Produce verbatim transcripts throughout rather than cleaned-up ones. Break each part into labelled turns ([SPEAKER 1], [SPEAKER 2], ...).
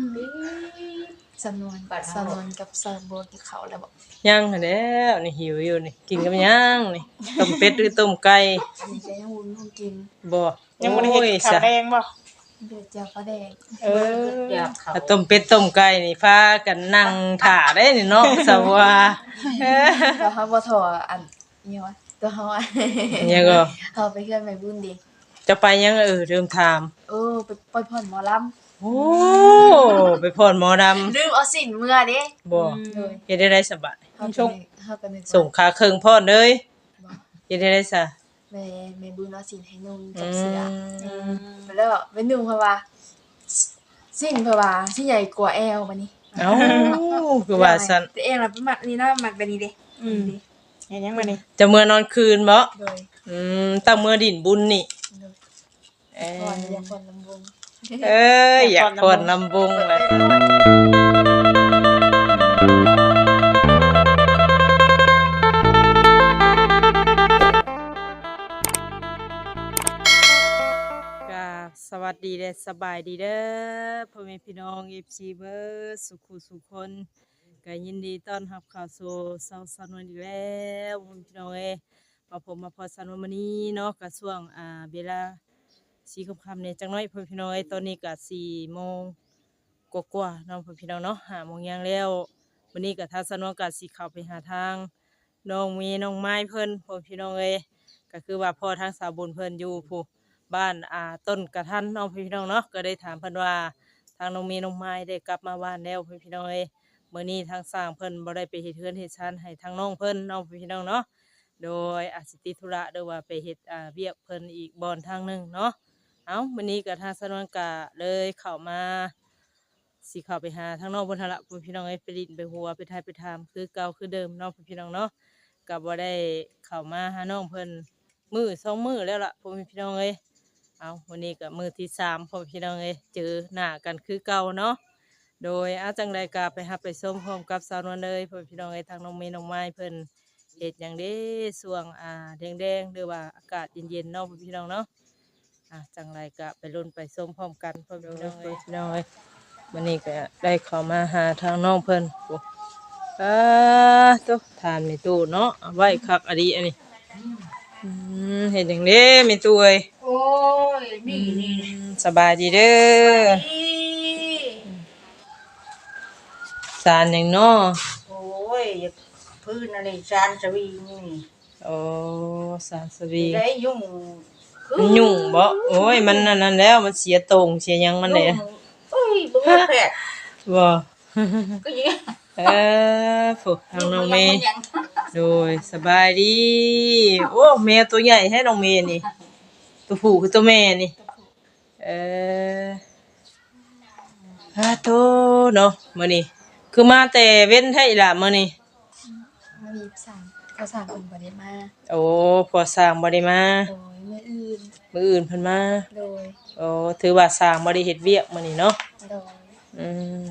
[SPEAKER 1] สำนวนสำนวนกับสาวบัวกินข้าวแล้วบ่
[SPEAKER 2] ยังหั้นแหล้วนี่หิวอยู่นี่กินกับหยังนี่ต้มเป็ดหรือต้มไก่
[SPEAKER 1] อันนี้ก็ยังวุ้นคงกิน
[SPEAKER 2] บ่
[SPEAKER 3] ยังบ่ได้เฮ็ดข้าวแดงบ่
[SPEAKER 1] เดือดจ้าปลาแดง
[SPEAKER 3] เออ
[SPEAKER 2] ถ้าต้มเป็ดต้มไก่นี่พากันนั่งท่าได้นี่เนาะสว่าเออ
[SPEAKER 1] ก็เฮาบ่ถออันอีหยังวะตัวเฮาอ่ะ
[SPEAKER 2] ยังก็
[SPEAKER 1] เฮาไปเฮือนแม่บุญดิ
[SPEAKER 2] จะไปยังเออเริ่มถาม
[SPEAKER 1] เออไปปล่อยพ่อนหมอลำ
[SPEAKER 2] โอ้ไปพรหมอดำ
[SPEAKER 1] ลืมเอาสินเมื่อเด้
[SPEAKER 2] บ่เฮ็ดได้ได้สบาย
[SPEAKER 1] เฮาก็เฮาก็นึก
[SPEAKER 2] ส่งขาเครื่องพรเลยเฮ็ดได้ได้ซะ
[SPEAKER 1] แม่แม่บุญเอาสินให้นุ่งกับเสื้ออืมแล้วไปนุ่งเพราะว่าสินเพราะว่าสิใหญ่กว่าแอวบัดนี้
[SPEAKER 2] เอ้าคือว่าซั่น
[SPEAKER 1] แต่เองล่ะเป็นมักนี่เนาะมักแบบนี้เด้
[SPEAKER 3] อืมเฮ็ดหยังบัดนี้
[SPEAKER 2] จะเมื่อนอนคืนบ่
[SPEAKER 1] โดย
[SPEAKER 2] อืมตั้งเมื่อดินบุญนี่
[SPEAKER 1] เอออยากพรลำวง
[SPEAKER 2] เอ้ยอยากพรลำวงเลยสวัสดีเด้อสบายดีเด้อพ่อแม่พี่น้อง เอฟ ซี เบิดสุขุสุขคนก็ยินดีต้อนรับเข้าสู่เช้าสนวนอีกแล้วพ่อแม่พี่น้องเอ้ยมาผมมาพอสนวนมื้อนี้เนาะก็ช่วงอ่าเวลาสี่ค่ำๆเนี่ยจังน้อยพ่อแม่พี่น้องเอ้ยตอนนี้ก็สี่โมงกว่าๆเนาะพ่อแม่พี่น้องเนาะห้าโมงยังแล้ววันนี้ก็ทางสนวนก็สิเข้าไปหาทางน้องมีน้องไม้เพิ่นพ่อแม่พี่น้องเอ้ยก็คือว่าพ่อทางสาวบุญเพิ่นอยู่ผู้บ้านอ่าต้นกระทันน้องพี่น้องเนาะก็ได้ถามเพิ่นว่าทางน้องมีน้องไม้ได้กลับมาบ้านแล้วพี่น้องเอ้ยมื้อนี้ทางสร้างเพิ่นบ่ได้ไปเฮ็ดเฮือนเฮ็ดชานให้ทางน้องเพิ่นน้องพี่น้องเนาะโดยอาจสิติดธุระหรือว่าไปเฮ็ดอ่าเวียกเพิ่นอีกบ่อนทางนึงเนาะเอ้ามื้อนี้ก็ทางสนวนกะเลยเข้ามาสิเข้าไปหาทางน้องเพิ่นหั่นล่ะพี่น้องเอ้ยไปลิ้นไปหัวไปทายไปถามคือเก่าคือเดิมเนาะพี่น้องเนาะก็บ่ได้เข้ามาหาน้องเพิ่นมื้อสองมื้อแล้วล่ะพี่น้องเอ้ยเอาวันนี้ก็มือที่สามพ่อพี่น้องเอ้ยเจอหน้ากันคือเก่าเนาะโดยอาจังใดกาไปฮับไปส้มพร้อมกับสาวนวลเลยพ่อพี่น้องเอ้ยทางน้องเมย์น้องไม้เพิ่นเฮ็ดอย่างเด้ส่วงอ่าแดงๆหรือว่าอากาศเย็นๆเนาะพ่อพี่น้องเนาะอ่าจังไรก็ไปลุ้นไปส้มพร้อมกันพ่อพี่น้องเอ้ยพี่น้องเอ้ยวันนี้ก็ได้เข้ามาหาทางน้องเพิ่นโอ้อ่าตุ๊ทานมีตู้เนาะเอาไว้คักอดีอันนี้อืมเห็นอย่างนี้มีตู้เอ้ย
[SPEAKER 3] โอ้ยนี่นี่
[SPEAKER 2] สบายดีเด้อสารอย่างน้อ
[SPEAKER 3] โอ้ยพื้นอะไรจานสวิงนี่
[SPEAKER 2] โอ้สารสวิง
[SPEAKER 3] ได้ยุ่ง
[SPEAKER 2] มันยุ่งบ่โอ้ยมันนั่นแล้วมันเสียตรงเสียยังมันเลย
[SPEAKER 3] โอ้ยบ่แพ้
[SPEAKER 2] บ่
[SPEAKER 3] ก็ยิง
[SPEAKER 2] เออฝึกทางน้องเมย์โดยสบายดีโอ้แมวตัวใหญ่ให้น้องเมย์นี่ตัวผู้คือตัวแม่นี่เออฮะโตเนาะมื้อนี้คือมาแต่เว้นให้ล่ะมื้อนี้
[SPEAKER 1] มามีสั่งก็สั่งเพิ่นบ่ได้มา
[SPEAKER 2] โอ้พอสร้างบ่ได้มา
[SPEAKER 1] โดยมื้ออื่น
[SPEAKER 2] มื้ออื่นเพิ่นมา
[SPEAKER 1] โดย
[SPEAKER 2] โอ้ถือว่าสร้างบ่ได้เฮ็ดเวียกมื้อนี้เนาะ
[SPEAKER 1] โดย
[SPEAKER 2] อืม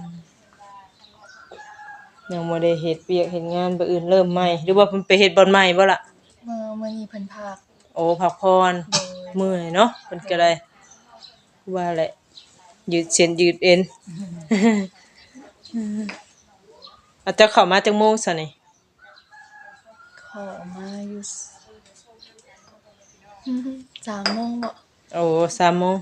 [SPEAKER 2] ยังบ่ได้เฮ็ดเวียกเฮ็ดงานบ่อื่นเริ่มใหม่หรือว่าเพิ่นไปเฮ็ดบ่อนใหม่บ่ล่ะ
[SPEAKER 1] มื้อมื้อนี้เพิ่นพัก
[SPEAKER 2] โอ้พักผ่อนเมื่อยเนาะเพิ่นก็ได้ว่าแหละยืดเส้นยืดเอ็นอาจจะเข้ามาจังโมงซะนี่
[SPEAKER 1] ขอมาอยู่สามโมงบ่
[SPEAKER 2] โอ้สามโมง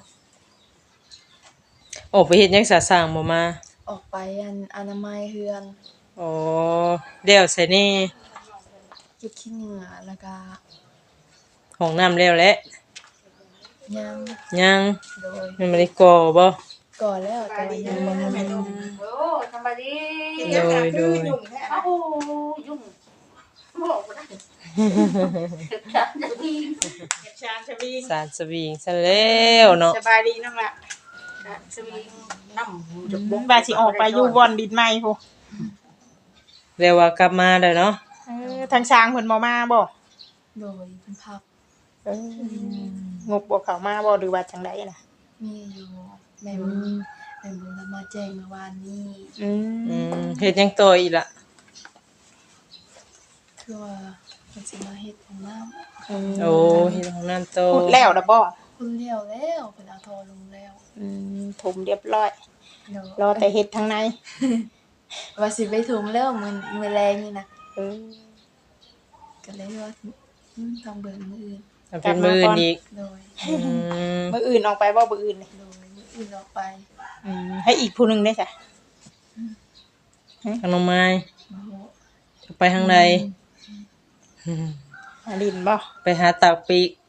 [SPEAKER 2] ออกไปเฮ็ดหยังซะสร้างบ่มา
[SPEAKER 1] ออกไปอันอนามัยเฮือน
[SPEAKER 2] โอ้แล้วใส่นี่
[SPEAKER 1] เก็บขี้เหงื่อแล้วก็
[SPEAKER 2] ห้องน้ำแล้วแหละ
[SPEAKER 1] ยัง
[SPEAKER 2] ยัง
[SPEAKER 1] โดย
[SPEAKER 2] มันบ่ได้ก่อบ่
[SPEAKER 1] ก่อแล้วแต่ว่ายังบ่ทันได้ลง
[SPEAKER 3] โอ้สบายดี
[SPEAKER 2] โดยโดย
[SPEAKER 3] โอ้ยุ่งบ่บ่ได้ชานสวิงชานสวิง
[SPEAKER 2] สารสวิงซะแล้วเนาะ
[SPEAKER 3] สบายดีน้องล่ะสวิงน้ำจุกบ่ว่าสิออกไปอยู่บ่อนดินใหม่พุ
[SPEAKER 2] เรียกว่ากลับมาแล้วเนาะ
[SPEAKER 3] เออทางช้างเพิ่นบ่มาบ่
[SPEAKER 1] โดยเพิ่นพัก
[SPEAKER 3] เอองบบ่เข้ามาบ่หรือว่าจังได๋น่ะ
[SPEAKER 1] มีอยู่แม่บุญแม่บุญมาแจ้งเมื่อวานนี้
[SPEAKER 2] อืมอืมเฮ็ดหยังต่ออีกล่ะ
[SPEAKER 1] คือว่าเพิ่นสิมาเฮ็ดห้องน้ำ
[SPEAKER 2] โอ้เฮ็ดห้องน้ำโต
[SPEAKER 3] ขุดแล้วล่ะบ่
[SPEAKER 1] คุณเดียวแล้วเพิ่นเอาทอลงแล้ว
[SPEAKER 3] อืมถมเรียบร้อย
[SPEAKER 1] เดี๋ยว
[SPEAKER 3] รอแต่เฮ็ดทางใน
[SPEAKER 1] ว่าสิไปถุงแล้วมื้อมื้อแรงนี่นะ
[SPEAKER 3] เออ
[SPEAKER 1] ก็เลยว่าอืมต้องเบิ่งมื้ออื่น
[SPEAKER 2] มันเป็นมื้ออื่นอีก
[SPEAKER 1] โดย
[SPEAKER 2] อืม
[SPEAKER 3] มื้ออื่นออกไปบ่มื้ออื่นนี่
[SPEAKER 1] โดยมื้ออื่นออกไป
[SPEAKER 3] อืมให้อีกผู้หนึงได้จ้ะ
[SPEAKER 2] ทางน้องไม้
[SPEAKER 1] มาโห
[SPEAKER 2] จะไปทางใด
[SPEAKER 3] หาลินบ่
[SPEAKER 2] ไปหาตากปีก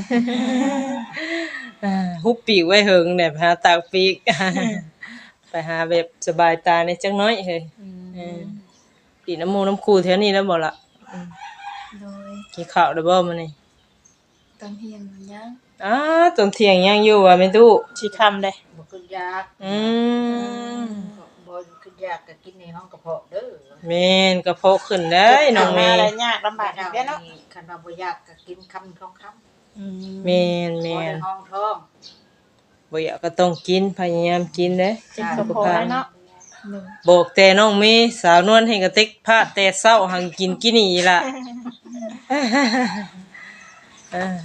[SPEAKER 2] อ่าฮุบปีกไว้เหิงเนี่ยไปหาตากปีก ไปหาแบบสบายตาในจักหน้อยเฮ้ยเออปีน้ำมูน้ำคูแถวนี้แล้วบ่ล่ะ
[SPEAKER 1] โดย
[SPEAKER 2] กินข้าวได้บ่มื้อนี้
[SPEAKER 1] ตอนเที่ยงมันยัง
[SPEAKER 2] อ้าตอนเที่ยงยังอยู่ว่ะแม่ตู้
[SPEAKER 3] สิค่ำได้
[SPEAKER 4] บ่ขึ้นยาก
[SPEAKER 2] อืม
[SPEAKER 4] บ่ขึ้นยากก็กินในห้องกระเพาะเด้อ
[SPEAKER 2] แม่นกระเพาะขึ้นได้น้อง
[SPEAKER 3] มา
[SPEAKER 2] แม่
[SPEAKER 3] ได้ยากลำบากอีกแล้วเนาะ
[SPEAKER 4] คันว่าบ่ยากก็กินคำสองคำ
[SPEAKER 3] อืม
[SPEAKER 2] แม่น
[SPEAKER 4] บ่
[SPEAKER 2] แม่
[SPEAKER 4] ใน
[SPEAKER 2] น
[SPEAKER 4] ห้องท้อง
[SPEAKER 2] บ่อยากก็ต้องกินพยายามกินเด้
[SPEAKER 3] จิตกระเพาะแล้วเนาะ
[SPEAKER 1] โดย
[SPEAKER 2] บอกแต่น้องเมย์สาวนวลให้กระติกพาแต่เช้าหังกินกินนี่ล่ะ อ่า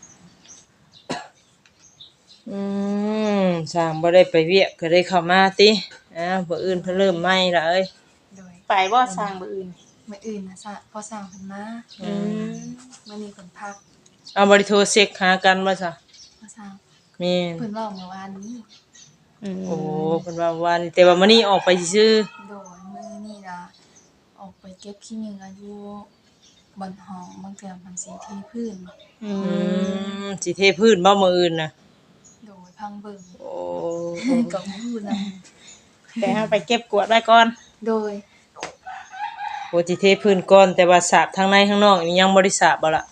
[SPEAKER 2] อืมสร้างบ่ได้ไปเวียกก็ได้เข้ามาติอ่าบ่อื่นเพิ่นเริ่มใหม่ละเอ้ย
[SPEAKER 1] โดย
[SPEAKER 3] ไปบ่สร้างมื้ออื่น
[SPEAKER 1] มื้ออื่นน่ะซะพอสร้างเพิ่นมา
[SPEAKER 3] อืม
[SPEAKER 1] มื้อนี้เพิ่นพัก
[SPEAKER 2] เอาบ่ได้โทรเช็คหากันบ่ซะ
[SPEAKER 1] พอสร้าง
[SPEAKER 2] แม่น
[SPEAKER 1] เพิ่นเว้าเมื่อวานนี้
[SPEAKER 3] อืม
[SPEAKER 2] โอ้เพิ่นว่าวันแต่ว่ามื้อนี้ออกไปซื่อ
[SPEAKER 1] โดยมื้อนี้ล่ะออกไปเก็บขี้เหงื่ออยู่บนห้องบางเทื่อมันสิเทพื้น
[SPEAKER 3] อื
[SPEAKER 2] ๆอื
[SPEAKER 3] ม
[SPEAKER 2] มสิเทพื้นบ่มื้ออื่นน่ะ
[SPEAKER 1] โดยพังเบิ่ง
[SPEAKER 2] โอ้
[SPEAKER 1] ก็บ่ฮู้นำ
[SPEAKER 3] แต่เฮาไปเก็บกวาดไว้ก่อน
[SPEAKER 1] โดย
[SPEAKER 2] โหสิเทพื้นก่อนแต่ว่าสาบทางในข้างนอกนี่ยังบ่ได้สาบบ่ล่ะ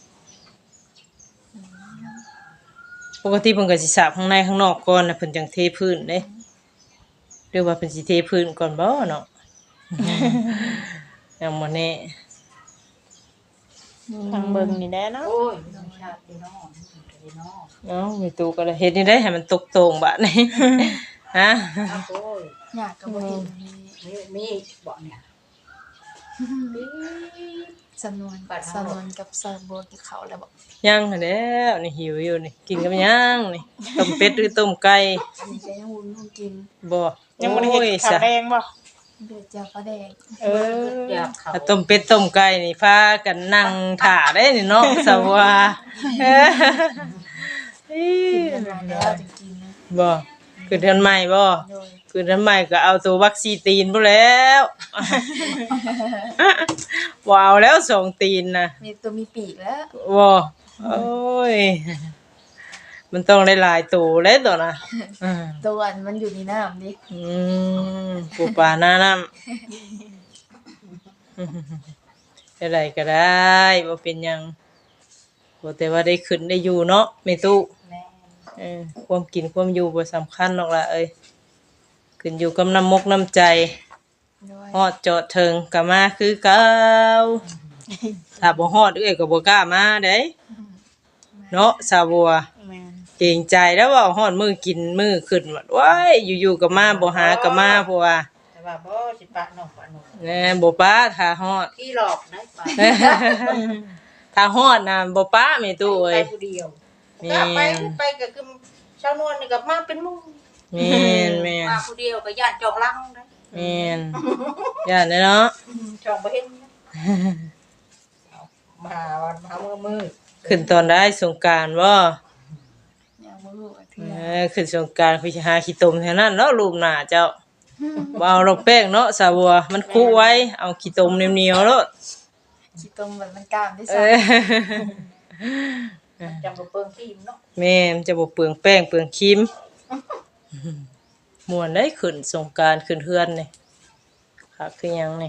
[SPEAKER 2] ปกติเพิ่นก็สิสาบข้างในข้างนอกก่อนนะเพิ่นจังเทพื้นเด้หรือว่าเพิ่นสิเทพื้นก่อนบ่เนาะ ยังบ่แน่
[SPEAKER 3] ทางเบิ่งนี่แหละเนาะ
[SPEAKER 4] โอ้ยมันชาติพี่น้องมันก็พี่น้อง
[SPEAKER 2] เอ้ามีตู้ก็เลยเฮ็ดนี่ได้ให้มันตกโตรงบัดนี้ ฮะ
[SPEAKER 4] อ้าวโอ้ย
[SPEAKER 1] อยากก็บ่เห็นมี
[SPEAKER 4] มีมีบ่เนี่ย
[SPEAKER 1] สำนวนสำนวนกับสะบดเขาแล้วบอก
[SPEAKER 2] ยังหั้นแหล้วนี่หิวอยู่นี่กินกับหยังนี่ต้มเป็ดหรือต้มไก่
[SPEAKER 1] อันนี้ก็ยังวุ้นคงกิน
[SPEAKER 2] บ่
[SPEAKER 3] ยังบ่ได้เฮ็ด
[SPEAKER 2] โอ้ย
[SPEAKER 3] ข้าวแดงบ่
[SPEAKER 1] เดือดเจียวปลาแดง
[SPEAKER 3] เออ
[SPEAKER 4] อยากเขา
[SPEAKER 2] ถ้าต้มเป็ดต้มไก่นี่พากันนั่งท่าได้นี่เนาะสว่าเอ้ออี
[SPEAKER 1] กินกันมาแล้วจะกินนะ
[SPEAKER 2] บ่คือเดือนใหม่บ่
[SPEAKER 1] โดย
[SPEAKER 2] คือทำไมก็เอาตัววัคซีนตีนไปแล้ว ว้าวแล้วสองตีนนะ
[SPEAKER 1] มีตัวมีปีกแล้ว
[SPEAKER 2] ว้าโอ้ย มันต้องได้หลายตัวแล้วตัวนะอืม
[SPEAKER 1] ตัวอันมันอยู่ในน้ำดิ
[SPEAKER 2] อืมปูปลาหน้าน้ำอะไรก็ได้ว่าเป็นหยังบ่แต่ว่าได้ขึ้นได้อยู่เนาะไม่ตู้
[SPEAKER 4] แม่
[SPEAKER 2] เออความกินความอยู่บ่สำคัญหรอกล่ะเอ้ยขึ้นอยู่กับน้ำมกน้ำใจ
[SPEAKER 1] โดย
[SPEAKER 2] ฮอดจอดเทิงก็มาคือเก่าถ้าบ่ฮอดเอ้ยก็บ่กล้ามาเด้เนาะสาวบัว
[SPEAKER 3] แม่น
[SPEAKER 2] เกรงใจแล้วว่าฮอดมื้อกินมื้อขึ้นว่าว้ายอยู่ๆก็มาบ่หาก็มาเพราะว่า
[SPEAKER 4] แต่ว่าบ่สิปะน้องปะน้อง
[SPEAKER 2] แหน่บ่ป้าถ้าฮอด
[SPEAKER 4] ที่หลอกนะปะ
[SPEAKER 2] ถ้าฮอดน่ะบ่ป้าแม่ตู้
[SPEAKER 4] ไป
[SPEAKER 2] เอ้ย
[SPEAKER 4] ผู้เดียว
[SPEAKER 2] แม่
[SPEAKER 4] ก็ไป
[SPEAKER 2] น
[SPEAKER 4] ไปก็คือชาวนวลนี่ก็มาเป็นหมู่
[SPEAKER 2] แม่นแม่น
[SPEAKER 4] มาผู้เดียวก็ย่านจองลังนะ
[SPEAKER 2] แม่นย่านเด้อเนาะ
[SPEAKER 4] จองบ่เห็นนะเอามาวันมามื้อมืด
[SPEAKER 2] ขึ้นตอนได้สงกรานต์บ่
[SPEAKER 1] อย่างบ่รู้ว่าเทื่
[SPEAKER 2] เอ
[SPEAKER 1] อ
[SPEAKER 2] อขึ้นสงกรานต์คือสิหาขี้ตมแถวนั้นเนาะรูปหน้าเจ้า บ่เอาดอกแป้งเนาะสาวบัวมันคุไว้เอาขี้ตมเหนียวๆเนาะ
[SPEAKER 1] ขี้ต้มเหมือนมันกล้ามได้
[SPEAKER 2] เอ
[SPEAKER 1] ซะ
[SPEAKER 2] อ
[SPEAKER 4] จำบ่เปิงทีมเนาะ
[SPEAKER 2] แม่มันจะบ่เปลืองแป้งเปลืองครีมม่วนได้ขึ้นสงกรานต์ขึ้นเฮือนนี่คักคือหยังนี่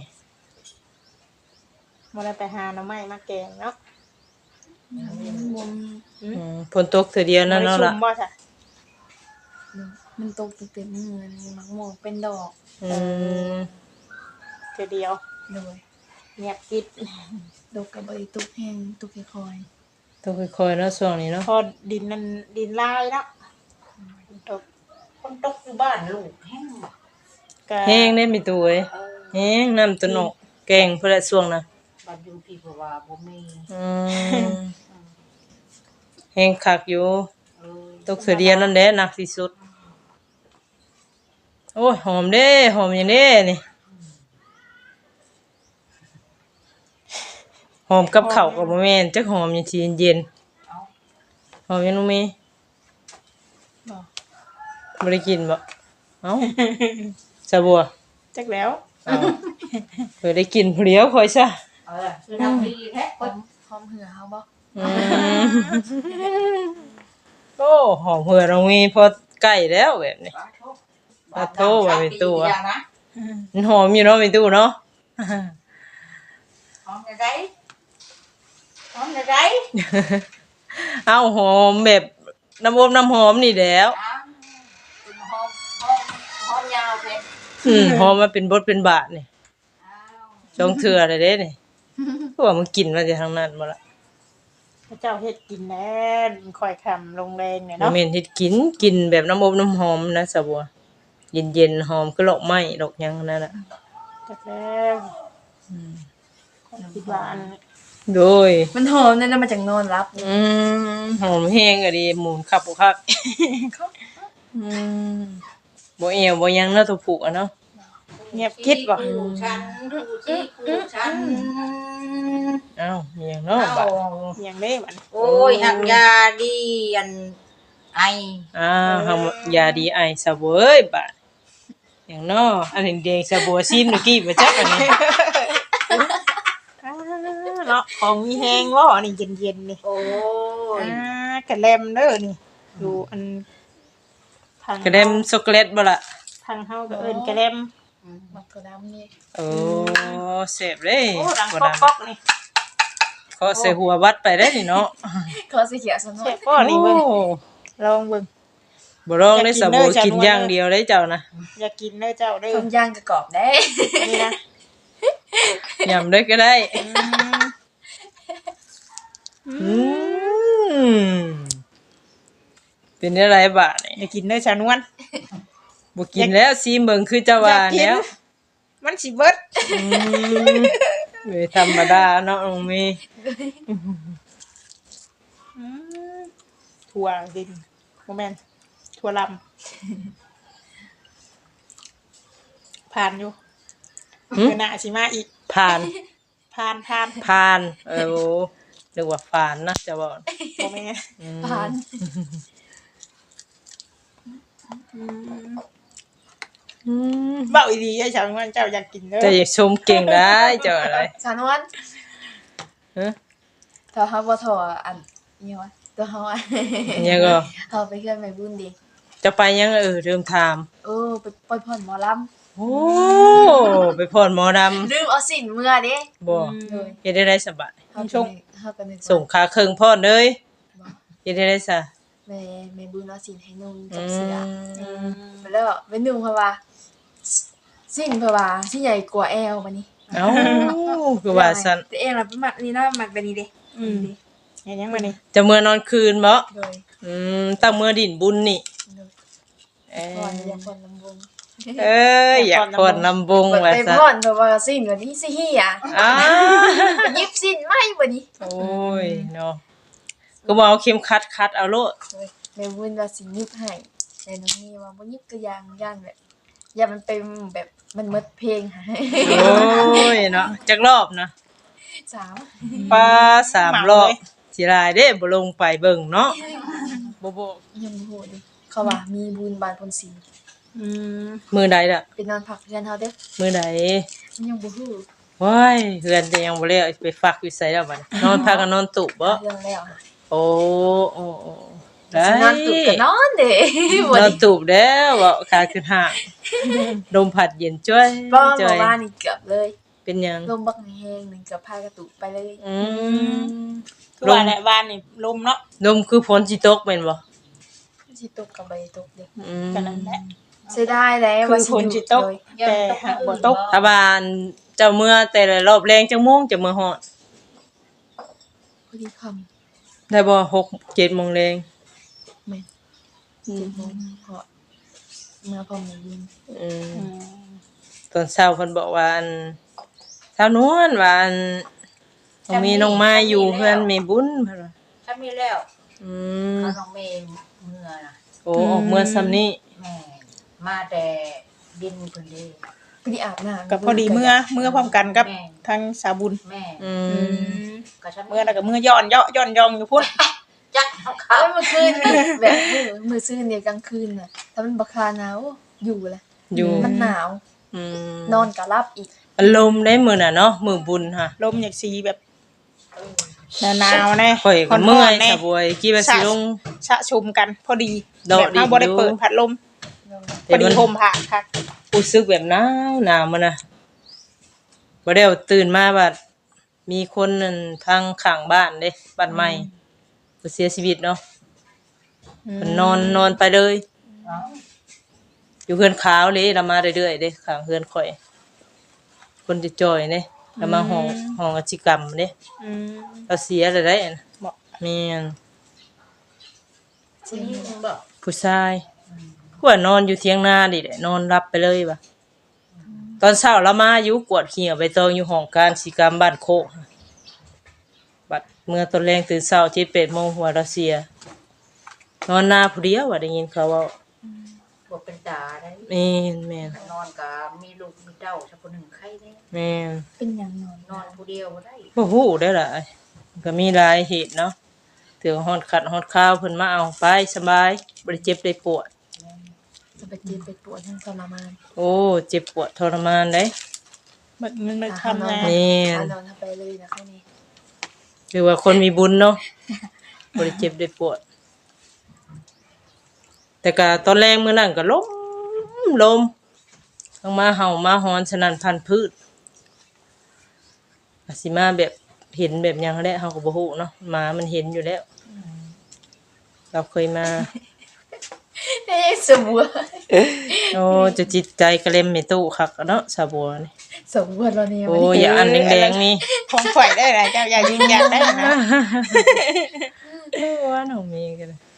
[SPEAKER 3] บ่ได้ไปหาหน่อไม้มาแกงเนาะ
[SPEAKER 1] บ่มี
[SPEAKER 2] อืมฝนตกเทื่อเดียวนั่นเนาะล่ะ
[SPEAKER 3] บ่ได้ชุ่มบ่จ้ะ
[SPEAKER 1] มันตกตั้งแต่มื้อนี้มักม่วงเป็นดอก
[SPEAKER 2] อืม
[SPEAKER 3] เทื่อเดียว
[SPEAKER 1] โดย
[SPEAKER 3] เงียบกิด
[SPEAKER 1] ดอกก็บ่ได้ตกแห้งตกค่อย
[SPEAKER 2] ต้องค่อยๆเนาะช่วงนี้เนาะ
[SPEAKER 3] พอดินนั่นดินลายเนาะตก
[SPEAKER 4] คนตกอยู่บ้านลูกแห้งบ่
[SPEAKER 3] ก็
[SPEAKER 2] แห้งได้มีตัวเอ้ย
[SPEAKER 4] เออ
[SPEAKER 2] แห้งน้ำต้นออกแกงเพิ่นละช่วงน่ะ
[SPEAKER 4] บ้านอยู่พี่เพราะว่าบ่มี
[SPEAKER 2] อืมแห้งคักอยู่
[SPEAKER 4] เออ
[SPEAKER 2] ตกเสือเดียวนั่นแหละหนักที่สุดโอ้ยหอมเด้หอมอย่างเด้นี่หอมกับข้าวกับบ่แม่นจักหอมอย่างสิเย็นๆหอมยังบ่มี
[SPEAKER 1] บ่
[SPEAKER 2] บ่ได้กินบ่เอ้าสะบัว
[SPEAKER 4] จักแล้ว
[SPEAKER 2] เอ้าเคยได้กินผู้เดียวค่อยซะ
[SPEAKER 3] เออคือทำดีแท้
[SPEAKER 1] หอมหอมเหือเฮาบ่
[SPEAKER 2] อืมโอ้หอมเหือเรามีพอใกล้แล้วแบบนี้
[SPEAKER 3] ปลาโท
[SPEAKER 2] ปลาโทว่าเป็นตัว
[SPEAKER 3] อย่างนะ
[SPEAKER 2] มันหอมอยู่เนาะมีตู้เนาะ
[SPEAKER 3] หอมในไรหอมในไร
[SPEAKER 2] เอ้าหอมแบบน้ำอบน้ำหอมนี่แหล้ว
[SPEAKER 3] อ้าวเป็นหอมหอมหอมยาวเป็น
[SPEAKER 2] อืมหอมมาเป็นบทเป็นบาทนี่
[SPEAKER 3] อ้าว
[SPEAKER 2] จองเถื่อเลยเด้นี่เพราะว่ามันกินมาจากทางนั้นบ่ละ
[SPEAKER 4] พระเจ้าเฮ็ดกินแน่ค่อยคำลงแรงเนี่ย
[SPEAKER 2] บ่
[SPEAKER 4] เนาะ
[SPEAKER 2] แม่นเฮ็ดกินกินแบบน้ำอบน้ำหอมนะสะบัวเย็นๆหอมคือดอกไม้ดอกหยังนั่นน่ะ
[SPEAKER 4] จักแล้วคนคิดว่าอัน
[SPEAKER 2] โดย
[SPEAKER 1] มันหอมนั่นน่ะมาจากนอนรับ
[SPEAKER 2] อืมหอมแห้งอะดิหมุนคับบ่คักอืมบ่เอวบ่หยังเนาะตัวผูกอะเนาะ
[SPEAKER 4] เงียบคิดบ่
[SPEAKER 3] คู่ฉันคู่ที่คู่ฉัน
[SPEAKER 2] เอ้ามีหยังเนาะ
[SPEAKER 3] เอ้า
[SPEAKER 2] บาด
[SPEAKER 4] อย่างนี้มัน
[SPEAKER 3] โอ้ยหักยาดีอันไอ
[SPEAKER 2] อ้าวเฮายาดีไอซะเว้ยบาดหยังเนาะอันนี้แดงซะบัวซิมเมื่อกี้บ่จักอันนี้
[SPEAKER 4] อ่าเนาะของมีแฮงบ่นี่เย็นๆนี่
[SPEAKER 3] โอ้ย
[SPEAKER 4] อ่ากระแลมเด้อนี่ดูอันทาง
[SPEAKER 2] กระเดมช็อกโกแลตบ่ล่ะ
[SPEAKER 4] ทางเฮาก็เอิ้นกระแลม
[SPEAKER 1] มักกะดำนี่
[SPEAKER 2] โอ้แซ่บเด้
[SPEAKER 4] โอ้ดัง
[SPEAKER 2] บ่
[SPEAKER 4] ก๊
[SPEAKER 2] ดัง
[SPEAKER 4] อกๆนี่
[SPEAKER 2] ขอใส่หัววัดไปได้นี่เนาะ
[SPEAKER 1] ขอสีเขียวซะหน่อ
[SPEAKER 4] แซ่
[SPEAKER 1] ย
[SPEAKER 4] บบ่นี่เบิ่ง
[SPEAKER 2] โอ้
[SPEAKER 4] ลองเบิ่ง
[SPEAKER 2] บ่ลองได้สะบัว
[SPEAKER 4] อยากกิ
[SPEAKER 2] กิ
[SPEAKER 4] น
[SPEAKER 2] น
[SPEAKER 4] เด้อ
[SPEAKER 2] อย่างเดียวได้เจ้านะ
[SPEAKER 4] อยากกินเด้อเจ้าเด้อ
[SPEAKER 1] ต้มย่างกระกรอบได้
[SPEAKER 4] นี่นะ
[SPEAKER 2] ยำได้ก็ได้
[SPEAKER 4] อืม
[SPEAKER 2] อืมเป็นอะไรบาดนี่
[SPEAKER 4] อยากกินเด้อชานวน
[SPEAKER 2] บ่กินแล้วซีเบิ่งคือเจ้าว่าแล้ว
[SPEAKER 4] มันสิเบิด
[SPEAKER 2] อืมเว้ยธรรมดาเนาะน้องเมย์
[SPEAKER 4] อืมถั่วดินบ่แม่นถั่วลำผ่านอยู่เมื่อหน้าสิมาอีก
[SPEAKER 2] ผ่าน
[SPEAKER 4] ผ่านผ่าน
[SPEAKER 2] ผ่าน เออโอ้เรียกว่าผ่านนะจะบอก
[SPEAKER 4] บ่แม่น
[SPEAKER 2] อืม
[SPEAKER 1] ผ่าน
[SPEAKER 2] อืม
[SPEAKER 4] เว้าอีหลีไอ้ชาวงานเจ้าอยากกินเด้อ
[SPEAKER 2] เจะอยากชมเก่งได้เจ้าอะไร
[SPEAKER 1] สานวน
[SPEAKER 2] ฮะ
[SPEAKER 1] ถ้าเฮาบ่ถออันนี่วะตัวเฮาอะ
[SPEAKER 2] เนี่ยก็
[SPEAKER 1] เฮาไปเฮือนแม่บุญดิ
[SPEAKER 2] จะไปยังเออเริ่มถาม
[SPEAKER 1] เออไปปล่อยผ่อนหมอลำ
[SPEAKER 2] โอ้ไปพรหมอด
[SPEAKER 1] ลืมเอาสินเมื่อเด้
[SPEAKER 2] ำบ่
[SPEAKER 1] เลย
[SPEAKER 2] เฮ็ดได้ได้สบาย
[SPEAKER 1] เฮาก็นึกเฮาก็นึกว่า
[SPEAKER 2] ส่งขาเครื่องพรเลย
[SPEAKER 1] บ่
[SPEAKER 2] เฮ็ดได้ได้ซะ
[SPEAKER 1] แม่แม่บุญเอาสินให้นุ่ง
[SPEAKER 2] อื
[SPEAKER 1] กับเสื้อ
[SPEAKER 2] ม
[SPEAKER 1] แล้วไปนุ่งเพราะว่าสิ้นเพราะว่าที่ใหญ่กว่าแอลบัดนี้
[SPEAKER 2] เอ้าคือว่าซั่น
[SPEAKER 1] แต่เองล่ะเป็นมักนี่เนาะมักแบบนี้เด้
[SPEAKER 4] อืมเห็นยังมานี่
[SPEAKER 2] จะเมื่อนอนคืนบ่
[SPEAKER 1] โดย
[SPEAKER 2] อืมตั้งเมื่อดินบุญนี่
[SPEAKER 1] โดย
[SPEAKER 2] เอ้
[SPEAKER 1] ก่อนอยากผ่อนลำวง
[SPEAKER 2] เอ้ยอยากพรลำวง
[SPEAKER 1] เปิด
[SPEAKER 2] ว่า
[SPEAKER 1] ไป
[SPEAKER 2] ซะ
[SPEAKER 1] ผ่อนเพราะว่าสิ้นวันนี้สิเฮีย
[SPEAKER 2] อ้า
[SPEAKER 1] ไปยิบสิ้นไม่บัดนี้
[SPEAKER 2] โอ้ยเนาะก็บ่เอาเข็มขัดคัดเอาโลด
[SPEAKER 1] โดยแม่บุญว่าสิยิบให้แต่น้องนี่ว่าบ่ยิบก็ยังย่านแบบอย่ามันเป็นแบบมันหมดเพลงหา
[SPEAKER 2] โอ้ยเนาะจักรอบนะ
[SPEAKER 1] สาม
[SPEAKER 2] ปลาสามรอบสิรายเด้บ่ลงไปเบิ่งเนาะบ่บ่
[SPEAKER 1] ยังบ่ฮู้ดิเขาว่ามีบุญบานพนศรี
[SPEAKER 4] อืม
[SPEAKER 2] มื้อใดล่ะ
[SPEAKER 1] ไปนอนพักเรือนเฮาเด้อ
[SPEAKER 2] มื้อใด
[SPEAKER 1] มันยังบ่ฮู้
[SPEAKER 2] ว้ายเฮือนจะยังบ่แล้วไปฝากอยู่ไสแล้วบัดนี้นอนพักกันนอนตุบ่
[SPEAKER 1] เรื่องแล้วค่ะ
[SPEAKER 2] โอ้โอ้โอ้ได้
[SPEAKER 1] สินอนตุกก็นอนเด้ บ่
[SPEAKER 2] นอน
[SPEAKER 1] ได้
[SPEAKER 2] ตุบแล้วเว้าขาขึ้นห่างลมพัดเย็นจ้อย
[SPEAKER 1] บ่
[SPEAKER 2] จ้
[SPEAKER 1] เมื่
[SPEAKER 2] อ
[SPEAKER 1] อย วานนี่เกือบเลย
[SPEAKER 2] เป็นหยัง
[SPEAKER 1] ลมบักแห้งหนึงเกือบพากระตุกไปเลย
[SPEAKER 2] อืม
[SPEAKER 4] คือว่าแหละบ้านนี่ลมเนาะ
[SPEAKER 2] ลมคือฝนสิตกแม่นบ่
[SPEAKER 1] สิตกก็บ่ได้ตกเด้
[SPEAKER 2] อืม
[SPEAKER 4] กันนั่นแหละ
[SPEAKER 1] เสียดายแล้ว
[SPEAKER 4] คือ
[SPEAKER 1] ว่า
[SPEAKER 4] ฝนสิตก
[SPEAKER 1] โดย
[SPEAKER 4] แต่หากบ่ตก
[SPEAKER 2] ถ้าบ้านเจ้าเมื่อแต่ละรอบแรงจังโมงจะมื้อฮอด
[SPEAKER 1] พอดีค่ำ
[SPEAKER 2] ได้บ่หก เจ็ดโมงแรง
[SPEAKER 1] แม่นเจ็ดโมงพอเมื่อพอมื้อยิน
[SPEAKER 2] อืม
[SPEAKER 4] อืม
[SPEAKER 2] ตอนเช้าเพิ่นบอกว่าอันเช้านวลว่าอันบ่มีน้องไม้อยู่เพื่อนแม่บุญเพิ่นว่า
[SPEAKER 3] ถ้ามีแล้ว
[SPEAKER 2] อืม
[SPEAKER 3] เขาน้องเมย์เมื่อ
[SPEAKER 2] โอ้ออกเมื่อซ้ำนี้
[SPEAKER 3] แม่มาแต่ดินเพิ่นเด้
[SPEAKER 1] ไปที่อาบน้ำ
[SPEAKER 4] ก็พอดีเมื่อเมื่อพร้อมกันกับ
[SPEAKER 3] แม่
[SPEAKER 4] ทางสาวบุญ
[SPEAKER 3] แม่
[SPEAKER 2] อื
[SPEAKER 4] อื
[SPEAKER 2] ม
[SPEAKER 4] ม
[SPEAKER 3] ก็ฉัน
[SPEAKER 4] เมื่อแล้วก็เมื่อย่อนเยาะย่อนยองอยู่พุ่น
[SPEAKER 3] จักเอาเขา
[SPEAKER 1] เอ้ยเมื่อคืนนี่แบบมือมือซื่นเนี่ยกลางคืนน่ะถ้ามันบักคาหนาวอยู่แหละ
[SPEAKER 2] อยู่
[SPEAKER 1] มันหนาว
[SPEAKER 2] อืม
[SPEAKER 1] นอนก็หลับอีก
[SPEAKER 2] อารมณ์ได้มื้อน่ะเนาะมื้อบุญค่ะ
[SPEAKER 4] ลมอยากสีแบบหนาวๆแน่
[SPEAKER 2] ข่อยก็เมื่อย
[SPEAKER 4] แน่
[SPEAKER 2] สะบวยกี่ว่าสิลง
[SPEAKER 4] ชะชุมกันพอดี
[SPEAKER 2] โดด
[SPEAKER 4] แบบเฮาบ่ได้
[SPEAKER 2] ดินอยู่
[SPEAKER 4] เปิดพัดลมพ
[SPEAKER 2] แต่
[SPEAKER 4] อดี
[SPEAKER 2] มัน
[SPEAKER 4] ห่มผ้าค่ะ
[SPEAKER 2] รู้สึกแบบหนาวหนาวมันน่ะบ่ได้เอาตื่นมาบัดมีคนนั่นทางข้างบ้านเด้บ้านใหม่เพิ่นเสียชีวิตเนาะเพิ่นนอนนอนไปเลย
[SPEAKER 3] เอา
[SPEAKER 2] อยู่เฮือนขาวเลยเรามาเรื่อยๆเด้ข้างเฮือนข่อยคนจะจ่อยเด้เรามาห้องห้องอาชีกรรมเด้
[SPEAKER 4] อืม
[SPEAKER 2] เราเสียแล้วได้อัน
[SPEAKER 4] เหมาะ
[SPEAKER 2] แม่น
[SPEAKER 3] ผู้หญิงบอก
[SPEAKER 2] ผู้ชายกว่านอนอยู่เถียงนาดิแหละนอนรับไปเลยว่ะตอนเช้าเรามาอยู่กวดเหี่ยวใบตองอยู่ห้องการศิกรรมบ้านโคกบัดเมื่อตอนแรงตื่นเช้าที่เป็ดโมงหัวเราเสียนอนนาผู้เดียวว่าได้ยินเขาเว่า
[SPEAKER 3] บอกเป็นตาได้
[SPEAKER 2] แม่นแม่น
[SPEAKER 3] นอนกับมีลูกมีเต้าสักคนหนึ่งไข้ได้
[SPEAKER 2] แม่น
[SPEAKER 1] เป็นหยังนอน
[SPEAKER 3] นอนผู้เดียวบ่ได้
[SPEAKER 2] บ่ฮู้ได้อล่ะก็มีหลายเหตุเนาะถือฮอดขัดฮอดข้าวเพิ่นมาเอาไปสบายบ่ได้เจ็บได้ปวด
[SPEAKER 1] จะไปเจ็บไปปวดทั้งทรมาน
[SPEAKER 2] โอ้เจ็บปวดทรมานเด้
[SPEAKER 4] มันมันมัน
[SPEAKER 1] อ่ะ
[SPEAKER 4] ทำงาน
[SPEAKER 2] แม่น
[SPEAKER 1] อ่ะนอนทำไปเลยนะแค่นี้
[SPEAKER 2] คือว่าคนมีบุญเนาะบ่ได้เจ็บได้ปวด แต่ก็ตอนแรกมื้อนั้นก็ลมลมทั้งมาเห่ามาหอนสนั่นพันพืชอาสิมาแบบเห็นแบบหยังแหละเฮาก็บ่ฮู้เนาะหมามันเห็นอยู่แล้ว เราเคยมา
[SPEAKER 1] เอ้ยสมบัว
[SPEAKER 2] โอ้จะจิตใจกระเล็มไม่ตู้คักอะเนาะสาบัวนี่
[SPEAKER 1] สมบัวเราเนี่ย
[SPEAKER 2] โอ้ยอย่าอันแดงๆนี่
[SPEAKER 4] ของข่อยได้หลายเจ้าอย่ายืนยันได้นะ
[SPEAKER 2] โอ้ว่าน้องมีกันเลย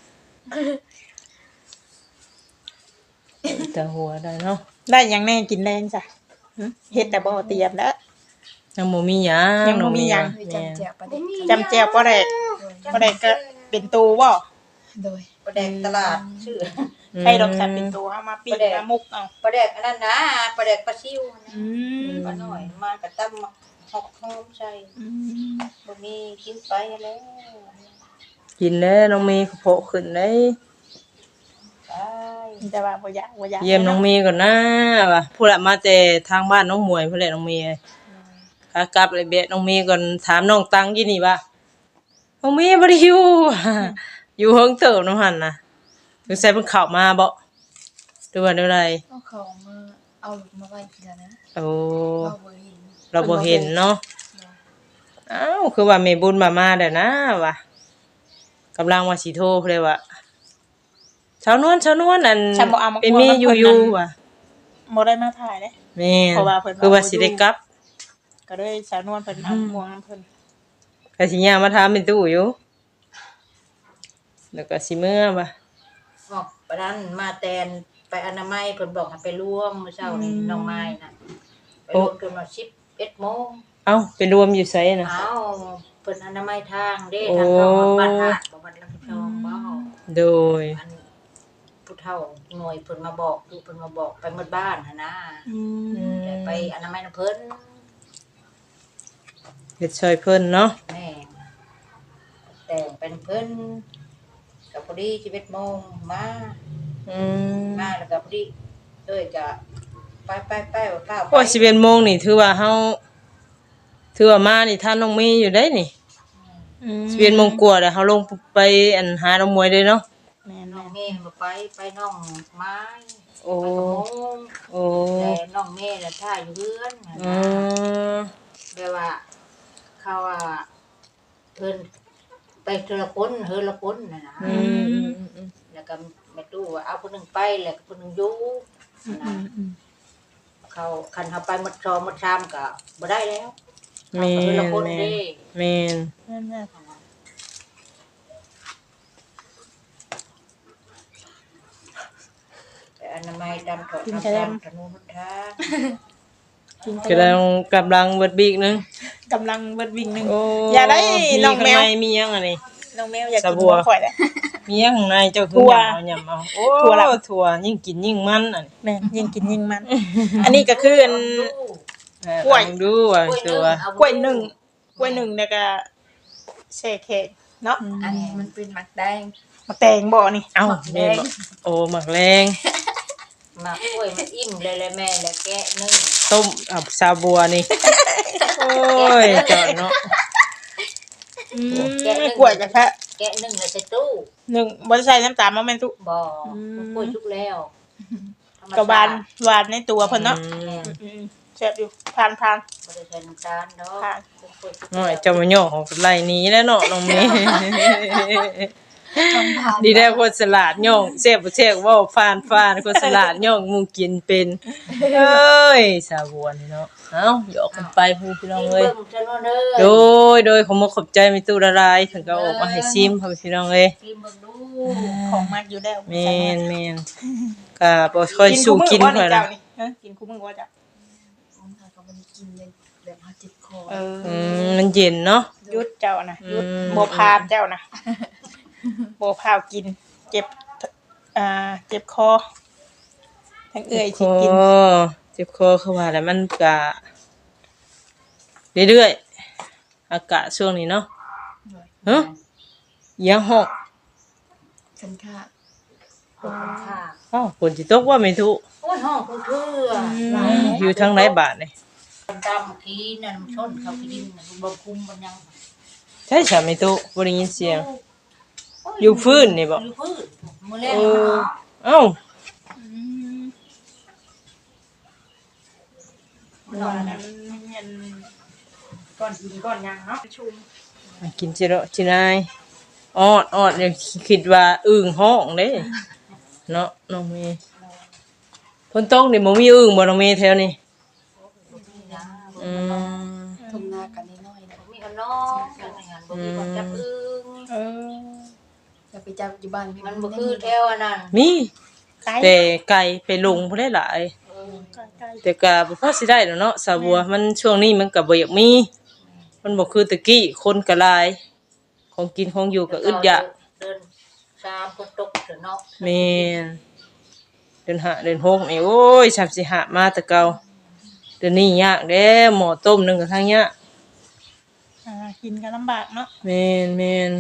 [SPEAKER 2] แต่หัวได้เนาะ
[SPEAKER 4] ได้หยังแน่กินแรงจ้ะหึเฮ็ดแต่บ่เตรียมแล้ว
[SPEAKER 2] ยังบ่มีหยัง
[SPEAKER 4] ยังบ่มีหยัง
[SPEAKER 1] ไปจำแจกประเด็น
[SPEAKER 4] จำแจวบ่ได้บ่ได้ก็เป็นตูบ่
[SPEAKER 1] โดย
[SPEAKER 3] ประแดกตลาดชื่อ
[SPEAKER 4] ใครดอกสัตว์เป็นตูเอามาปิ้งมามุกเอา
[SPEAKER 3] ประแดกอันนั้นนะประแดกปลาซิวนะ
[SPEAKER 4] อืม
[SPEAKER 3] ปลาหน่อยมากระตั้มหอกหอมใส่
[SPEAKER 4] อืม
[SPEAKER 3] บ่มีกินไปแล้ว
[SPEAKER 2] กินแล้วน้องมีเขาโผล่ขึ้นได้
[SPEAKER 3] ไป
[SPEAKER 4] แต่ว่าบ่อยากบ่อยาก
[SPEAKER 2] เยี่ยมน้องมีก่อนนะว่ะผู้ละมาแต่ทางบ้านน้องหมวยพุ่นแหละน้องมีขากลับเลยเบะน้องมีก่อนถามน้องตังยี่นี่ว่าน้องมีบ่ได้อยู่ อยู่เฮิงเติบน้องหั่นน่ะสงสัยเพิ่นเข้ามาบ่หรือว่าแนวใด
[SPEAKER 1] เอาเขามาเอาหลุดมาไว้ทีละนะ
[SPEAKER 2] โอ้
[SPEAKER 1] เราบ่เห็น
[SPEAKER 2] เราบ่เห็นเนาะอ้าวคือว่าแม่บุญมามาแล้วนะว่ะกำลังว่าสิโทรเลยว่าชาวนวลชาวนวลอัน
[SPEAKER 4] ฉันบ่เอามา
[SPEAKER 2] เป็นแม่อยู่อยู่ว่ะ
[SPEAKER 4] บ่ได้มาถ่ายเด้
[SPEAKER 2] แม่น
[SPEAKER 4] เพราะว่าเพิ่นว่า
[SPEAKER 2] คือว่าสิได้กลับ
[SPEAKER 4] ก็เลยสาวนวลเพิ่นเอาม่วงน้ำเพิ่น
[SPEAKER 2] ก็สิย่างมาถามเป็นตู้อยู่แล้วก็สิเมื่อว่ะ
[SPEAKER 3] บอกปะนั้นมาแตนไปอนามัยเพิ่นบอกให้ไปร่วมมื้อเช้านี่น้องไม้น่ะไปร่วมจนว่าสิบเอ็ดโมง
[SPEAKER 2] เอ้าไปรวมอยู่ไสน่ะ
[SPEAKER 3] เอ้าเพิ่นอนามัยทางเด้
[SPEAKER 2] โอ้
[SPEAKER 3] ทางเข้าบ้านหาดบ่วัดลำพองบ่
[SPEAKER 2] โดย
[SPEAKER 3] อันผู้เฒ่าหน่วยเพิ่นมาบอกดูเพิ่นมาบอกไปหมดบ้านหั่นนะ
[SPEAKER 4] อืม
[SPEAKER 3] แต่ไปอนามัยนำเพิ่น
[SPEAKER 2] เฮ็ดช่วยเพิ่นเนาะ
[SPEAKER 3] แม่แต่งเป็นเพิ่นกับพอดีสิบเอ็ดโมงมา
[SPEAKER 2] อืม
[SPEAKER 3] มาแล้วก็พอดีเอ้ยก็ไปไปไปว่าป้าไป
[SPEAKER 2] โอ้ยสิบเอ็ดโมงนี่ถือว่าเฮาถือว่ามานี่ท่านน้องมีอยู่ได้นี่
[SPEAKER 4] อืม
[SPEAKER 2] สิบเอ็ดโมงกว่าแล้วเฮาลงไปอันหาน้องมวยเลยเนาะ
[SPEAKER 4] แม่น
[SPEAKER 3] น้องเมย์บ่ไปไปน้องไม้
[SPEAKER 2] โอ้
[SPEAKER 3] ไปกับโมง
[SPEAKER 2] โอ้
[SPEAKER 3] แต่น้องเมย์น่ะท่าอยู่เรือนน่ะ
[SPEAKER 2] อื
[SPEAKER 3] นะ
[SPEAKER 2] ม
[SPEAKER 3] แปลว่าเขาว่าเพิ่นไปเทอละคนเฮอละคนน่ะนะ
[SPEAKER 2] อืมอืมอืม
[SPEAKER 3] แล้วก็แม่ตู้ว่าเอาคนหนึงไปแล้วก็คนหนึงอยู่
[SPEAKER 4] อื
[SPEAKER 3] นะ
[SPEAKER 4] มอืม
[SPEAKER 3] เขาคันเขาไปหมดซอหมดชามก็บ่ได้แล้ว
[SPEAKER 2] แม่
[SPEAKER 3] เอาคนละ
[SPEAKER 2] น
[SPEAKER 3] คน
[SPEAKER 2] แม่น
[SPEAKER 3] เด้
[SPEAKER 2] แม่น
[SPEAKER 4] แม่นแม่น
[SPEAKER 3] แต่อนามัยดำถอดทำตามถนนหนทาง
[SPEAKER 4] กิน
[SPEAKER 2] กำลังกำลังเบิดบีกนึง
[SPEAKER 4] กำลังเบิดวิ่งหนึง
[SPEAKER 2] โอ้
[SPEAKER 4] อย่าได้
[SPEAKER 2] มี
[SPEAKER 4] น้องแมว
[SPEAKER 2] ข้าในมีหยังอันนี้
[SPEAKER 4] นน้องแมวอยาก
[SPEAKER 2] สะ
[SPEAKER 4] กิน
[SPEAKER 2] บั
[SPEAKER 4] หั
[SPEAKER 2] ว
[SPEAKER 4] วข่อยแล้ว
[SPEAKER 2] มีหยังข้างในเจ้าคือ
[SPEAKER 4] ถั่ว
[SPEAKER 2] หยำเอาหยำเอาโอ้
[SPEAKER 4] ถั่วละ
[SPEAKER 2] ถั่วยิ่งกินยิ่งมันอัน
[SPEAKER 4] แม่นยิ่งกินยิ่งมัน อันนี้ก็คืออัน
[SPEAKER 2] เออก
[SPEAKER 4] ล้วย
[SPEAKER 2] ลองดูว่าตัว
[SPEAKER 4] กล้วยหนึ่งกล้วยหนึ่งแล้วก็แช่แข็งเนาะ
[SPEAKER 1] อันนี้มันเป็นหมักแดง
[SPEAKER 4] มาแตงบ่นี่
[SPEAKER 2] เอ้า
[SPEAKER 1] หมักแด
[SPEAKER 2] แม่
[SPEAKER 1] ง
[SPEAKER 2] บอกโอ้หมักแรง
[SPEAKER 3] หมากกล้วยมันอิ่มเลยแหละแม่แล้วแกะนึ่ง
[SPEAKER 2] ต้มอับชาบัวนี่ โอ้ยจอดเนาะ
[SPEAKER 4] อืมกล้วยกับแพะ
[SPEAKER 3] แกะนึ่งแล้วใส่ตู้
[SPEAKER 4] หนึ่งบ่ได้ใส่น้ำตาลมาแม่นตุ
[SPEAKER 3] บ่
[SPEAKER 4] อืม
[SPEAKER 3] กล้วยชุกแล้วธรรม
[SPEAKER 4] ก็หวาน
[SPEAKER 3] ชติ
[SPEAKER 4] หวานในตัวเพิ่นเนาะ
[SPEAKER 2] อืม
[SPEAKER 4] อืมๆแซ่บอยู่ผ่านผ่าน
[SPEAKER 3] บ่ได้ใส่น้ำตาลเนาะ
[SPEAKER 4] ค่ะ
[SPEAKER 3] กล้วยชุก
[SPEAKER 2] น้อยเจะมาย่อของไหลหนี้แล้วเนาะน้องเมย์
[SPEAKER 1] ต้องผ่าน
[SPEAKER 2] ดีแล้วคนสลัดย่องเสียบบ่เสียบเว้าฟานฟานคนสลัดย่องหมูกินเป็นเอ้ยสาบัวนี่เนาะเอ้าหยอกกันไปพี่พี่น้องเอ้ย
[SPEAKER 3] เบิ่งจังเด้
[SPEAKER 2] โด
[SPEAKER 3] อย
[SPEAKER 2] โดยขอมขอบใจมีตู้ละลายถึงก็ออกมาให้ซิมพ่อพี่น้องเอ้ย
[SPEAKER 3] กินเบิ่งดู
[SPEAKER 4] ของมากอยู่แล้ว
[SPEAKER 2] แม่นแม่นก็บ่ค่อยสู้กิน
[SPEAKER 4] ค่
[SPEAKER 2] ค่
[SPEAKER 4] อ
[SPEAKER 2] อย ย
[SPEAKER 4] เจ้า
[SPEAKER 2] ละ
[SPEAKER 4] นี่ฮะกินคู่มือบ่จ้ะ
[SPEAKER 1] ผมทานก็บ่ได้กินเลยแบบเฮาเจ็บคอ
[SPEAKER 4] เออ
[SPEAKER 2] อืมมันเย็นเนาะ
[SPEAKER 4] ยุดเจ้านะยุด
[SPEAKER 2] อืม
[SPEAKER 4] บ่พาเจ้านะบ่พาวกิน เจ็บอ่าเจ็บคอทั้งเอื้อยสิกิน
[SPEAKER 2] คอเจ็บคอคือว่าแล้วมันก็เรื่อยๆอากาศช่วงนี้เนาะฮะเอียังหอก
[SPEAKER 1] คันค่า
[SPEAKER 3] ขอบคุณค่ะ
[SPEAKER 2] อ้าวฝนสิตกว่าไม่ทุก
[SPEAKER 3] โอ้ยห้องกูเถื่อ
[SPEAKER 2] อยู่ทางไหนบาทนี่
[SPEAKER 3] ดำขี้นั่นมันชนเขาไปดินน่ะบ่คุมมันยัง
[SPEAKER 2] ใช่ใช่ไม่ทุกบ่ได้ยินเสียง อยู่พื้นนี่บ่
[SPEAKER 3] อยู่พื้นมื้อแรก
[SPEAKER 2] เอ
[SPEAKER 3] นี่
[SPEAKER 2] อ
[SPEAKER 3] เนาะ
[SPEAKER 2] เอ้า
[SPEAKER 4] นอนนั้นมันเย็นก้อนหินก้อนหยังเนาะชุ่ม
[SPEAKER 2] มากินจิโร่จินายออดออดยังคิดว่าอึ่งห้องเด้เนาะน้องเมย์ฝนตกนี่บ่มีอึ่งบ่น้องเมย์แถวนี้อืม
[SPEAKER 1] ทุ่งนากันน้อยๆนะ
[SPEAKER 3] มีขนมกันงานบ่มีคนจับอึ้ง
[SPEAKER 4] เออ
[SPEAKER 1] จะไปจับอยู่บ้านพี่
[SPEAKER 3] มันบ่คือแถวอันนั้น
[SPEAKER 2] มี
[SPEAKER 4] ไก่
[SPEAKER 2] แต่ไก่ไปลงบ่ได้หลาย
[SPEAKER 4] ไก่
[SPEAKER 2] แต่ก็บ่พอสิได้ดอกเนาะสาบัวมันช่วงนี้มันก็บ่อยากมี มันบ่คือตะกี้คนก็หลาย ของกินของอยู่ก็อึดอยาก
[SPEAKER 3] เดินตามคนตกเถอะเนาะ
[SPEAKER 2] แม่นเดือนห้าเดือนหกนี่โอ้ยสามสิหามาแต่เก่าเดือนนี้ยากเด้หม้อต้มนึงก็ทางยาก
[SPEAKER 4] อ่ากินกันลำบากเนาะ
[SPEAKER 2] แม่นแม่น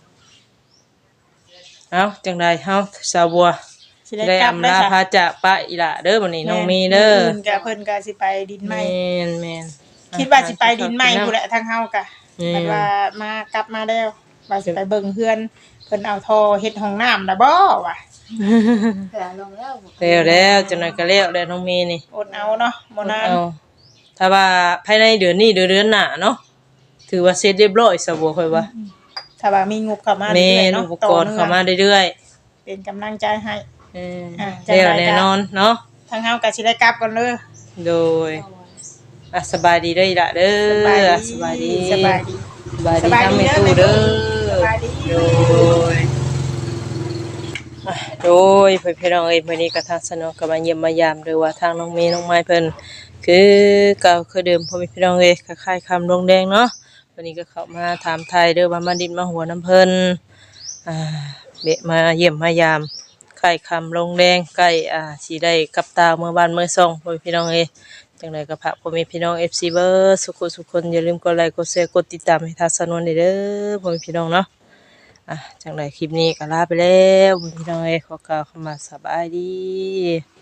[SPEAKER 2] เอ้าจังไดเฮาสาวบัว
[SPEAKER 4] สิได้
[SPEAKER 2] ได้
[SPEAKER 4] กลับ
[SPEAKER 2] อำ
[SPEAKER 4] ได้
[SPEAKER 2] ลา
[SPEAKER 4] จ้ะ
[SPEAKER 2] พาจากป้าอีหล่าเด้อบัดนี้น้องมีเด้อ
[SPEAKER 4] มื้นก็เพิ่นก็สิไปดินใหม่
[SPEAKER 2] แม่นแม่น
[SPEAKER 4] คิดว่าสิไปดินใหม่พู้นแหละทางเฮากะ
[SPEAKER 2] อืม
[SPEAKER 4] บัดว่ามากลับมาแล้วว่าสิไปเบิ่งเพื่อนเพิ่นเอาท่อเฮ็ดห้องน้ำน่ะบ่วะ
[SPEAKER 1] แต่ลองแล้ว
[SPEAKER 2] แล้วแล้วจังไดก็แล้วแล้วน้องมีนี่
[SPEAKER 4] อดเอาเนาะบ่นาน
[SPEAKER 2] เอาถ้าว่าภายในเดือนนี้เดือนเดือนหน้าเนาะถือว่าเสร็จเรียบร้อยสาวบัวค่อยว่า
[SPEAKER 4] ถ้าว่ามีงบเข้ามา
[SPEAKER 2] แม่
[SPEAKER 4] เรื่อยๆ
[SPEAKER 2] น
[SPEAKER 4] เนาะ
[SPEAKER 2] อุปกรณ์เข้ามาเรื่อย
[SPEAKER 4] เป็นกำลังใจให้
[SPEAKER 2] ๆเออ
[SPEAKER 4] อ่ะจัง
[SPEAKER 2] แล้ว
[SPEAKER 4] ใดก็
[SPEAKER 2] แน่นอนเนาะ
[SPEAKER 4] ทางเฮาก็สิได้กลับกันเด้อ
[SPEAKER 2] โดยอ่ะสบายดีเด้ออีหล่ะเด้อสบายดี
[SPEAKER 4] สบายดี
[SPEAKER 2] สบาย
[SPEAKER 4] ส
[SPEAKER 2] ดี
[SPEAKER 4] บาย
[SPEAKER 2] ทำ
[SPEAKER 4] ดี
[SPEAKER 2] ให้
[SPEAKER 4] เด้อ
[SPEAKER 2] ตู้
[SPEAKER 4] แม่
[SPEAKER 2] เด้อ
[SPEAKER 4] สบายดี
[SPEAKER 2] โดยอ่ะโดยเพื่อนพี่น้องเอ้ยมื้อนี้ก็ทางสนองก็มาเยี่ยมมายามหรือว่าทางน้องเมย์น้องไม้เพิ่นคือเก่าคือเดิมพ่อแม่พี่น้องเอ้ยคล้ายๆคำลงแดงเนาะวันนี้ก็เข้ามาถามไทยเด้อว่ามาดินมาหัวน้ำเพิ่นอ่าเบะมาเยี่ยมมายามใกล้คำลงแดงใกล้อ่าสิได้กลับตาเมื่อบ้านเมื่อซ่องพ่อแม่พี่น้องเอ้ยจังไดก็ฝากพ่อแม่พี่น้อง เอฟ ซี เบิร์สุขสุขคนอย่าลืมกดไลค์กดแชร์กดติดตามให้ทางสนวนเด้อพ่อแม่พี่น้องเนาะ อ่ะจังไดคลิปนี้ก็ลาไปแล้วพี่น้องเอ้ยขอกล่าวคำว่าสบายดี